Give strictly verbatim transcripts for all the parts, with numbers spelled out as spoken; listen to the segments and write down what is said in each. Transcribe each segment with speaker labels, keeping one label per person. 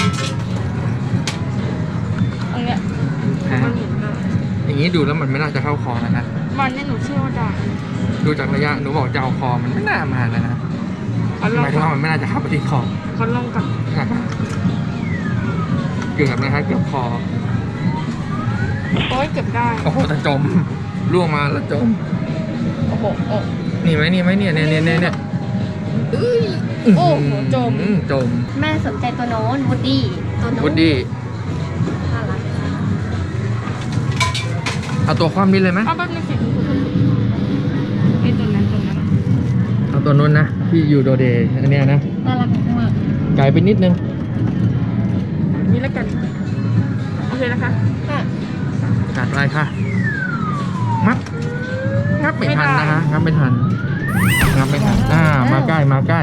Speaker 1: ตรงเนี้ยมันหมุนได้
Speaker 2: อย่างนี้ดูแล้วมันไม่น่าจะเข้าคอนะนะ
Speaker 1: มันเนี่ยหนูเชื่อว่าได้
Speaker 2: ดูจากระยะหนูบอกจะเอาคอมันไม่น่ามานะนะ
Speaker 1: เขาล
Speaker 2: ห
Speaker 1: อง
Speaker 2: มายถึง
Speaker 1: กั
Speaker 2: ว่าน มันไม่น่าจะเข้าไปที่คอ
Speaker 1: เขาลองกัน
Speaker 2: เกือบนะครับเกือบคอ
Speaker 1: โอ้ยเก็บได้
Speaker 2: โอ้โหแต่จมล่วงมาแล้วจม
Speaker 1: โอ้โหโอ้
Speaker 2: นี่ไหมนี่ไหมเนี่ยเนี่ยเนี่ยเนี่ยเอ้ย
Speaker 1: โอ้โหจม
Speaker 2: อืจม
Speaker 3: แม่สนใจตัวโน้นวูดดี้ตัวโน้น
Speaker 2: วูดดี้
Speaker 3: น่ารัก
Speaker 2: เอาตัวคว่ำนี่เลยไหม
Speaker 1: เอาแป๊บนึงสิไอ้ตัวนั้นตัวนั้น
Speaker 2: เอาตัวนู้นนะที่อยู่โดเดย์อันเนี้ยนะ
Speaker 3: น่ารักมาก
Speaker 2: ไกลไปนิดนึง
Speaker 1: นี่แล้วกันโอเคนะคะ
Speaker 3: ค่ะ
Speaker 2: ขาดอะไรค่ะมัดงับไม่ทันนะคะงับไม่ทันงับไม่ทันอ่ามาใกล้มาใกล้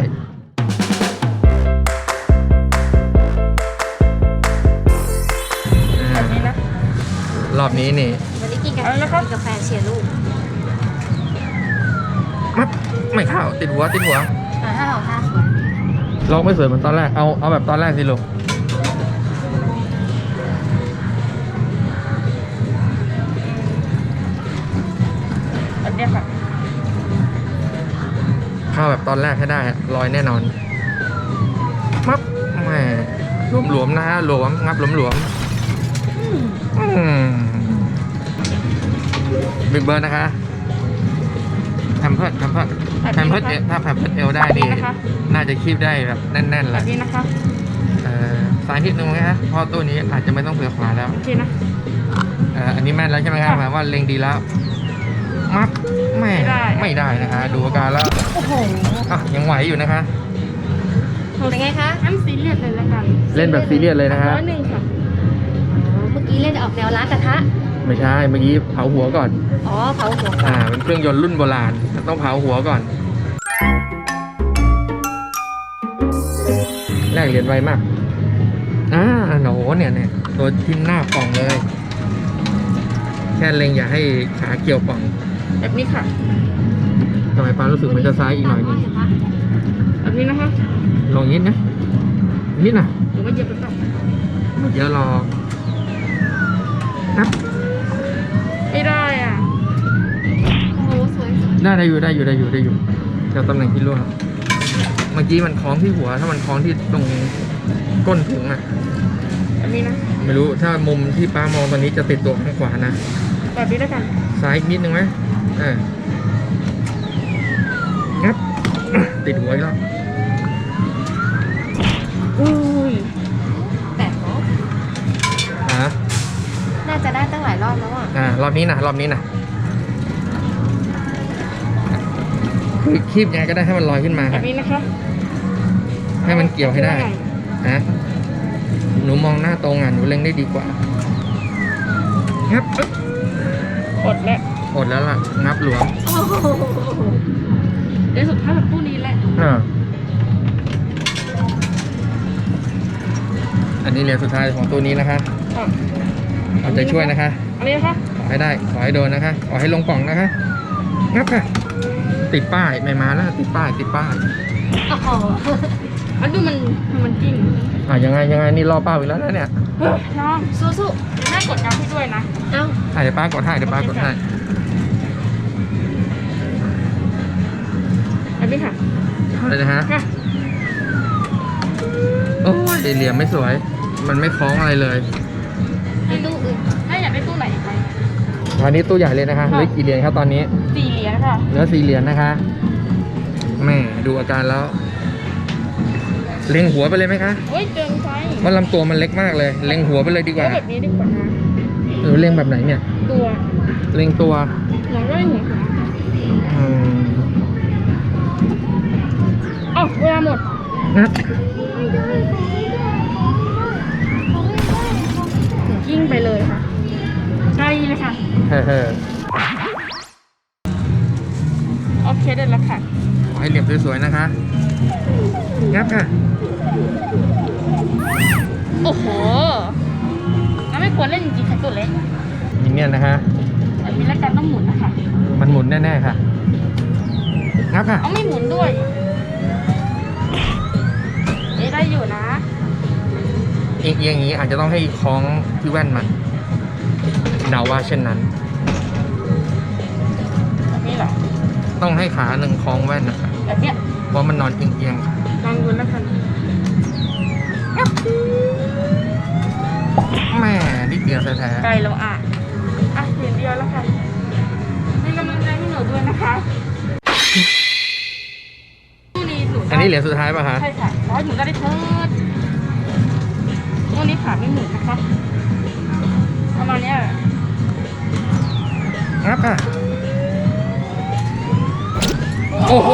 Speaker 2: อ่า
Speaker 1: แบบนี้นะ
Speaker 2: รอบนี้นี่
Speaker 3: วันนี้กินกาแฟ
Speaker 1: เอาละครับ
Speaker 3: กินกาแฟเชียร์ลูก
Speaker 2: มัดไม่เข้าติดหัวติดหัว
Speaker 3: อ่าถ้าเราท่าสวย
Speaker 2: ลองไม่สวยเหมือนตอนแรกเอาเอาแบบตอนแรกสิลูก
Speaker 1: แบบเนี้ยค่ะ
Speaker 2: เข้าแบบตอนแรกให้ได้อะลอยแน่นอนมับแหมหลวมๆนะฮะหลวมงับหลวมๆอืมบิ๊กเบิร์ดนะคะแพมเพิร์ดแพมเพิร์ดแพมเพิร์ดถ้าแพมเพิร์ดเอลได้นี่น่าจะคีบได้แบบแน่นๆ
Speaker 1: แบ
Speaker 2: แหละ
Speaker 1: บนี้นะคะ
Speaker 2: เอ่อสายนิดนึงไหมฮะเพราะตัวนี้อาจจะไม่ต้องเผื่อขวาแล้ว
Speaker 1: โอเคนะ
Speaker 2: เอ่ออันนี้แม่นแล้วใช่ไหมครับหมายว่าเล็งดีแล้วมับไม่
Speaker 1: ไม่ได้
Speaker 2: ไม่ได้นะคะ ดูอาการแล้ว
Speaker 3: โอ้โห
Speaker 2: อ่ะยังไหวอยู่นะคะ
Speaker 3: เป็นไงคะ
Speaker 1: งั้นซีเรียสเลยแล้วกัน
Speaker 2: เล่นแบบซีเรียสเลยนะคะ
Speaker 1: ร้อยหนึ่งค่ะ
Speaker 3: อ๋อเมื่อกี้เล่นออกแนวร้านกระทะ
Speaker 2: ไม่ใช่เมื่อกี้เผาหัวก่อน
Speaker 3: อ๋อเผาหัว
Speaker 2: อ่าเป็นเครื่องยนต์รุ่นโบราณต้องเผาหัวก่อนแลกเหรียญไวมากอ่าโหเนี่ยเนี่ยตัวทิ่มหน้าป่องเลย แค่เล็งอย่าให้ขาเกี่ยวป่อง
Speaker 1: แบบนี้ค่ะ
Speaker 2: ทำไมป้ารู้สึกมันจะซ้ายอีกหน่อยนึง
Speaker 1: แบบนี้นะคะ
Speaker 2: ลองนิดนะนิดนะ
Speaker 1: หรือว่าเหยียบไปต่อ
Speaker 2: ไม่เยอะรอนับ
Speaker 1: ไม่ได้อ่ะ
Speaker 3: โอ้โหสวยสวย
Speaker 2: ได้ได้อยู่ได้อยู่ได้อยู่ได้อยู่เดี๋ยวตำแหน่งที่ร่วงเมื่อกี้มันคล้องที่หัว ถ้ามันคล้องที่ตรงก้นถุงอะ
Speaker 1: แบบนี้นะ
Speaker 2: ไม่รู้ถ้ามุมที่ป้ามองตอนนี้จะติดตัวข้างขวานะ
Speaker 1: แบบนี้แล้วกัน
Speaker 2: ซ้ายอีกนิดนึงไหมอ่างับ ติดหัวอีกแล้ว
Speaker 1: อุ้ย
Speaker 3: แต่เนาะ
Speaker 2: อ่า
Speaker 3: น่าจะได้ตั้งหลายรอบแล้วอ่ะ
Speaker 2: อ่ารอบนี้นะรอบนี้นะคือคีบยังไงก็ได้ให้มันลอยขึ้นมา
Speaker 1: แบ
Speaker 2: ค่ะ
Speaker 1: บนี้นะคะ
Speaker 2: ให้มันเกี่ยวให้ได้ฮะหนูมองหน้าตรงอ่ะหนูเล็งได้ดีกว่างับปึ๊บ
Speaker 1: อดแล้ว
Speaker 2: อดแล้วล่ะงับหลวม
Speaker 3: โอ้โห
Speaker 1: เดี๋ยวสุดท้ายแบบตู้นี้แหละ
Speaker 2: อ่าอันนี้เหรียญสุดท้ายของตัวนี้นะคะ
Speaker 1: อ่ะ
Speaker 2: เอาใจช่วยนะคะ
Speaker 1: อันนี้นะคะ
Speaker 2: ขอให้ได้ขอให้โดนนะคะขอให้ลงป่องนะคะงับค่ะ ติดป้ายไม่มาแล้วติดป้ายติดป้าย
Speaker 3: โอ้โห
Speaker 1: มันดูมันมันกิ้ง
Speaker 2: อ่ะยังไงยังไงนี่รอเป้าอีกแล้วนะเนี่ย
Speaker 1: เฮ้ยน้อง
Speaker 3: สู้
Speaker 1: เดี๋ยวแม่กดกราฟให้ด้วยนะ
Speaker 3: ๆเอ้า
Speaker 2: อ่ะเดี๋ยวป้ากดให้เดี๋ยวป้ากดให้
Speaker 1: แบบนี้ค่ะ
Speaker 2: เอาเลยนะฮะ
Speaker 1: ค่ะ
Speaker 2: โอ้ยเหลี่ยมไม่สวย มันไม่คล้องอะไรเลย
Speaker 3: ให้ลูกอื่น
Speaker 1: แม่อยากได้ตู้ไหนอีกไหม
Speaker 2: ตอนนี้ตู้ใหญ่เลยนะคะเหลือกี่เหรียญครับตอนนี้
Speaker 1: สี่เหรียญค่ะ
Speaker 2: เหลือสี่เหรียญนะคะแม่ดูอาการแล้ว เล็งหัวไปเลยไหมคะ
Speaker 1: เฮ้ยเกินไป
Speaker 2: ว่าลำตัวมันเล็กมากเลย เล็งหัวไปเลยดีกว่า
Speaker 1: เอาแบบนี้ดีกว่านะ
Speaker 2: หรือเล็งแบบไหนเนี่ย
Speaker 1: ตัว
Speaker 2: เล็งตัว
Speaker 1: หัวก็ได้หัวขา
Speaker 2: อืม
Speaker 1: อ๋อเวลาหมด
Speaker 2: นัด
Speaker 1: กิ้งไปเลยค่ะใช่เลยค่ะ
Speaker 2: เฮ้อ
Speaker 1: โอเคได้แล้วค่ะ
Speaker 2: ขอให้เหลี่ยมสวยๆนะคะงับค่ะ
Speaker 1: โอ้โหแล้วไม่ควรเล่นจริงๆค่ะตัวเล็ก
Speaker 2: มินเนี่ยนนะคะ
Speaker 1: แบบนี้แล้วกันต้องหมุนนะคะ
Speaker 2: มันหมุนแน่ๆค่ะงับค่ะ
Speaker 1: เอาไม่หมุนด้วยนี่ได้อยู่นะ
Speaker 2: เอียงๆอย่างนี้อาจจะต้องให้คล้องที่แว่นมันเดาว่าเช่นนั้น
Speaker 1: แบบนี้เหรอ
Speaker 2: ต้องให้ขาหนึ่งคล้องแว่นนะครับ
Speaker 1: แบบเนี้ย
Speaker 2: เพราะมันนอนเอียงๆค่ะ
Speaker 1: ลองดูแล้วกัน
Speaker 2: แหม่นิดเดียวแท้
Speaker 1: ไกลแล้วอ่ะอ่ะเหรียญเดียวแล้วค่ะให้กำลังใจให้หนูด้วยนะคะคู่นี้หนู
Speaker 2: ๆอันนี้เหรียญสุดท้ายป่ะคะ
Speaker 1: ใช่ค่ะร้อยหนูได้เถิดคู่นี้ขาไม่หมุนนะคะประมาณเนี้ย
Speaker 2: งับค่ะโอ้โห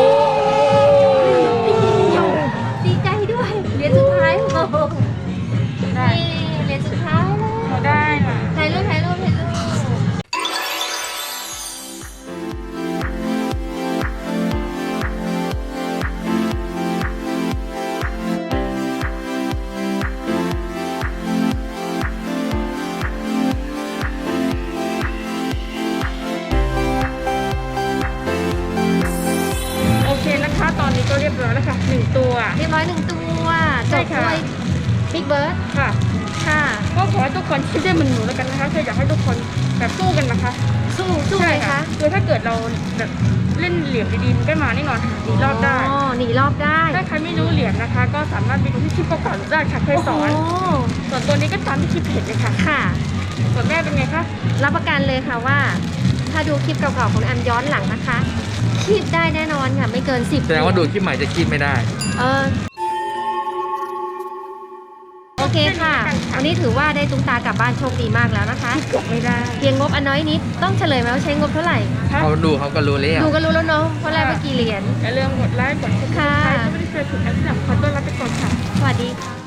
Speaker 3: ดีใจด้วยเหรียญสุดท้ายโอ้โห
Speaker 1: ได้
Speaker 3: นี่เหรียญสุดท้ายเลย
Speaker 1: หนูได้น่ะ
Speaker 3: ถ่ายรูปถ่ายรูปถ่ายรูป
Speaker 1: โอเคนะคะ ตอนนี้ก็เรียบร้อยแล้วค่ะหนึ่งตัว
Speaker 3: เรียบร้อยหนึ่งตัวจ
Speaker 1: ใช่
Speaker 3: บ
Speaker 1: ค่ะ
Speaker 3: ด้วยบิ๊กเบิร์ด
Speaker 1: ค่ะ
Speaker 3: ค่ะ
Speaker 1: ก็ขอให้ทุกคนคิดได้เหมือนหนูแล้วกันนะคะคืออยากให้ทุกคนแบบสู้กันนะคะ
Speaker 3: สู้สู้ไหมคะ
Speaker 1: คือถ้าเกิดเราแบบเล่นเหลี่ยมดีๆมันก็มาแน่นอนค่ะหนีรอบได้
Speaker 3: อ๋อหนีรอบได้
Speaker 1: ถ้าใครไม่รู้เหลี่ยมนะคะ ก็สามารถไปดูที่คลิปเก่าๆหนูได้ค่ะเคยสอน
Speaker 3: โอ้โห
Speaker 1: ส่วนตัวนี้ก็ตามที่คลิปเห็นเลยค่ะ
Speaker 3: ค่ะ
Speaker 1: ส่วนแม่เป็นไงคะ
Speaker 3: รับประกันเลยค่ะว่า ถ้าดูคลิปเก่าๆของอันย้อนหลังนะคะคีบได้แน่นอนค่ะ ไม่เกินสิบ
Speaker 2: แสดงว่าดูคลิปใหม่จะคิดไม่ได้
Speaker 3: เออโอเคค่ะ วันนี้ถือว่าได้ตุ้งตากลับบ้านโชคดีมากแล้วนะคะ
Speaker 1: จบไม่ได้
Speaker 3: เพียงงบอันน้อยนิด ต้องเฉลยไหมว่าใช้งบเท่าไหร่
Speaker 1: ค่ะ
Speaker 2: เขาดูเขาก็รู้แล้ว
Speaker 3: ดูก็รู้แล้วเนาะเพราะแรกเมื่อกี่เหรียญ
Speaker 1: อย่าลืมกดไลค์กดติดตาม
Speaker 3: ค่ะ
Speaker 1: ใครก็ไม่ได้เจอถึงอันที่สำคัญต้อนรับไปก่อนค่ะ
Speaker 3: สวัสดีค่ะ